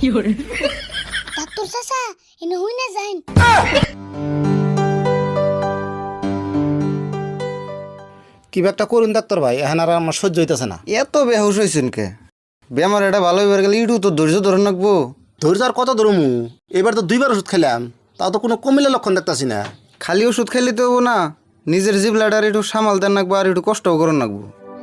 Doctor চাচা এনে হই না যাইন। কি একটা করুন ডাক্তার ভাই, এখন আর আমার সহ্য হইতেছে না। এত বেহুশ হয়েছেন কে? বেমার এটা ভালো হইবার গেলে ইটু তো ধৈর্য ধরে রাখবো। ধৈর্য আর কত ধরমু? এবার তো 2বার ওষুধ খেলাম, তাও তো কোনো কমিলে লক্ষণ দেখতেছি না। খালি ওষুধ খাইলে তো হবো না, নিজের জিবলাটার একটু সামাল দেন রাখবো আর একটু কষ্টও করুন রাখবো।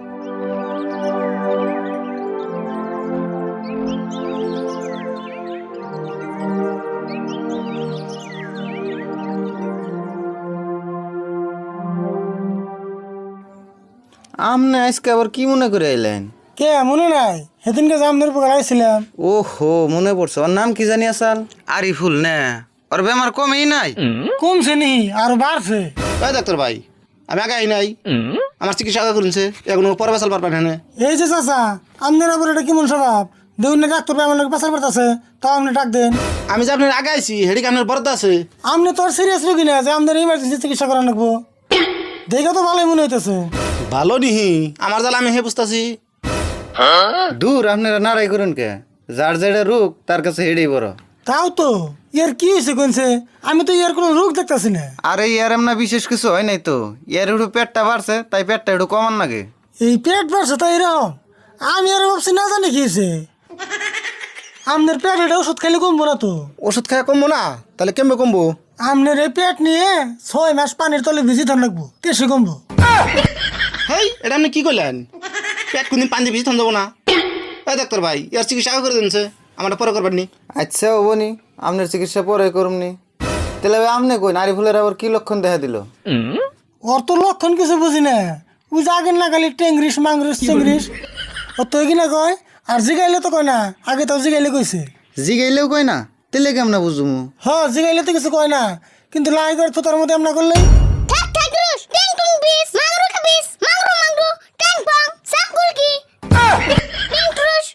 আমনে আজকে আবার কি মনে করে এলেন? কে মনে নাই সেদিনকে যে আমাদের উপর আইছিলাম। ওহো, মনে পড়ছে। ওর নাম কি জানি আসাল? আরিফুল না? ওর বেমার কমেই নাই? কমছে নি আর বাড়ছে। তাই ডাক্তার ভাই, আমি আগে আই নাই, আমার চিকিৎসা আগে করুনছে, এখন পরে বাসাল পারবেন না। এই যে চাচা আপনার আবার এটা কেমন স্বভাব? দেখুন না ডাক্তার আমার লোক পাশার পাঠাচ্ছে, তাও আপনি ডাক দেন। আমি যে আপনার আগে আইছি হেডিকে আপনার বরাদ্দ আছে। আপনি তো আর সিরিয়াস রোগী না যে আমাদের ইমার্জেন্সি চিকিৎসা করা রাখবো। দেখে তো ভালোই মনে হইতেছে। ভালো নিহি আমার জ্বালা আমি হে বুঝতেছি। দূর, আপনারা নাড়াই করুন কে? যার যেটা রোগ তার কাছে হেডেই বড়। তাও তো ইয়ার কি হয়েছে কোনছে? আমি তো ইয়ার কোনো রোগ দেখতেছি না। আরে ইয়ার এমনা বিশেষ কিছু হয় নাই তো, ইয়ার একটু পেটটা বাড়ছে, তাই পেটটা একটু কমান লাগে। এই পেট বাড়ছে তাই এরকম? আমি আর ভাবছি না জানি কি হয়েছে। আপনার পেট এটা ওষুধ খাইলে কমবো না তো? ওষুধ খাওয়া কমবো না? তাহলে কেমবে কমবো? আপনার এই পেট নিয়ে 6 মাস পানির তলে ভিজি ধর লাগবো, কেসে কমবো। হেই, এটা আপনি কি করলেন? পেট কোনদিন পানি দিয়ে ভিজে থাম যাবো না। এই ডাক্তার ভাই, ইয়ার চিকিৎসা আগে করে দিনছে, আমারটা পরে করবেন নি। আচ্ছা হবনি, আপনার চিকিৎসা পরে করুমনি। তাহলে আপনি কই নারীফুলের আবার কি লক্ষণ দেখা দিল? ওর তো লক্ষণ কিছু বুঝি না। ওই যে আগে না খালি টেংরিস মাংরিস চিংরিস ও তো কিনা কয়, আর জিগাইলে তো কয় না। আগে তো জিগাইলে কইছে। জিগাইলেও কই না? তাহলে কেমন বুঝুমু? জিগাইলে তো কিছু কয় না, কিন্তু লাই করে তো তোর মধ্যে এমনা করলে ঠাক ঠাক রুস টিং টুং বিস মাংরু খাবিস মাংরু মাংরু ট্যাং পং সাকুল কি টিং ট্রুস।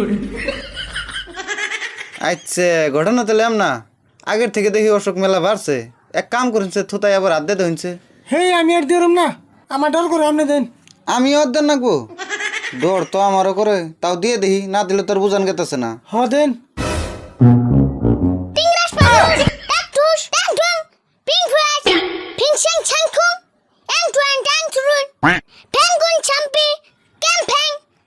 আচ্ছা, ঘটনা তাহলে এমনা। আগের থেকে দেখি অসুখ মেলা বাড়ছে। এক কাম করেছে, থুতাই আবার আদ্যে ধরছে। হেই আমি আর দিলাম না, আমার ডর করে আপনি দেন। আমি অর্ধেক নাকবো? ডর তো আমারও করে, তাও দিয়ে দেখি, না দিলে তোর বুঝান গেতেছে না। দেন। টিং রাস পারুস ট্যাক টুস ট্যাং টুং পিং ফ্রাস পিং শাং ছাং খুং এং টুয়াং ট্যাং টুরুন পেঙ্গুন চাম্পি ক্যাম্পেং।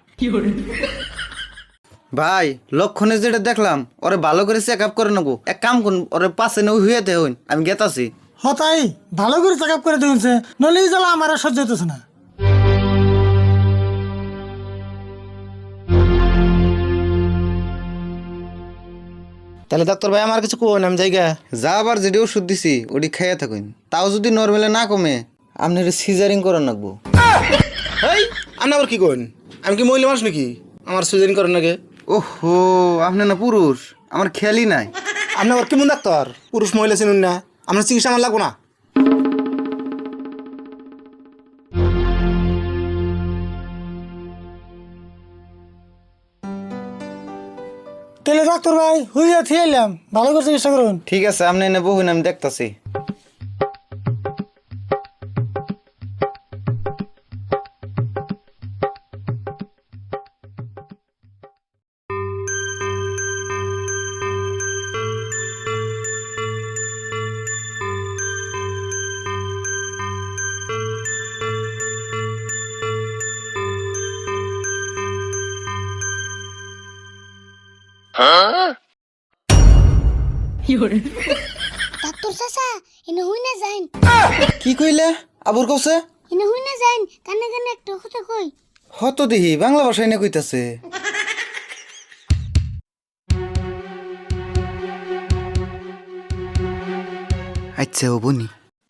ভাই, লক্ষণে যেটা দেখলাম, ওরে ভালো করে চেক আপ করে নেবো। এক কাম করুন, ওরে পাশে নেই হুয়েতে হইন, আমি গেতাছি। তাই ভালো করে চেক আপ করে দিয়েছে, নলে এই জ্বালা আমার আর সহ্য হইতেছে না। তাহলে ডাক্তার ভাই আমার কিছু কোন, আমি জায়গা যা আবার যেটি ওষুধ দিছি ওটি খাইয়া থাকুন, তাও যদি নর্মালে না কমে, আপনি সিজারিং করার নাকবো। হেই, আপনি আবার কি কোন? আমি কি মহিলা মানুষ নাকি আমার সুইজারিং করেন নাকি? ওহো, আপনি না পুরুষ, আমার খেয়ালই নাই। আপনি আবার কেমন ডাক্তার? পুরুষ মহিলা চিনুন না, আপনার চিকিৎসা আমার লাগবো না। তাহলে ডাক্তার ভাই হইয়া থিয়ে এলাম, ভালো করে চিকিৎসা করুন। ঠিক আছে, আপনি এনে বহুন, আমি দেখতাছি। ডাক্তার চাচা এনে হই না যাইন। কি কইলে? আবুর কছে এনে হই না যাইন, কানে কানে একটা কথা কই। হত দিহি বাংলা ভাষায় না কইতাছে। আচ্ছা ও বনি।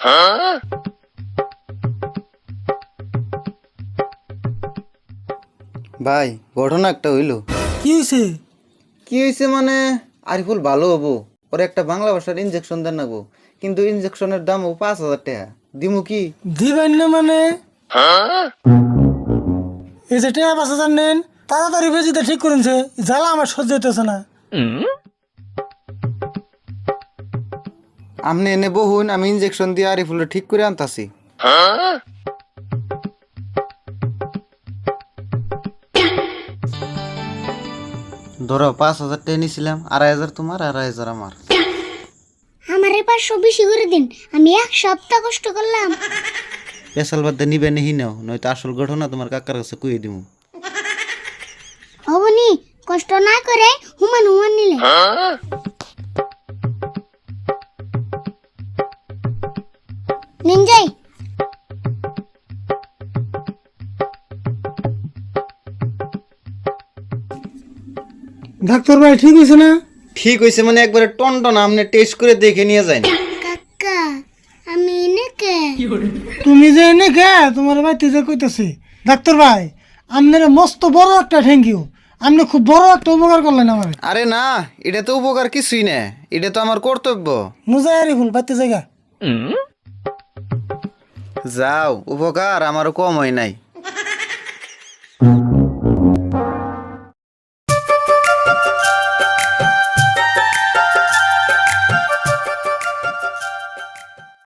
ভাই, ঘটনা একটা হইলো। কি হয়েছে? কি হয়েছে মানে, আরিফুল ভালো হবো, ওর একটা বাংলা ভাষার ইনজেকশন দেন নাগবো, কিন্তু ইনজেকশনের দাম 5,000 টাকা। দিমু কি? দিবেন না মানে? এই যে টেয়া পাশে জানেন, তাড়াতাড়ি বেজিতে ঠিক করেছে, জ্বালা আমার সহ্য হইতেছে না। আপনি এনে বহুন, আমি ইনজেকশন দিয়ে আরিফুলটা ঠিক করে আনতাছি। ধরো 5,000 টাকা নিছিলাম, 2,500 তোমার, 2,500 আমার। আমারে 500 বেশি করে দিন, আমি 1 সপ্তাহ কষ্ট করলাম। পেশাল বাদ দিয়ে নিবে নিহি নাও, নয়তো আসল ঘটনা তোমার কাকার কাছে কইয়ে দিমু। হবনি, কষ্ট না করে হুমান হুমান নিলে। নিন যাই। ডাক্তার ভাই ঠিক হয়েছে না? ঠিক হইছে মানে একবারে টনটন, আপনি টেস্ট করে দেখে নিয়ে যান। কাকা আমি এনেকে তুমি যে এনে গে তোমার বাড়িতে যে কইতেছি। ডাক্তার ভাই আপনার মস্ত বড় একটা থ্যাংক ইউ, আপনি খুব বড় একটা উপকার করলেন আমার। আরে না, এটা তো উপকার কিছুই না, এটা তো আমার কর্তব্য। মুজাই আরিফুল বাড়িতে জায়গা যাও, উপকার আমারও কম হয় নাই।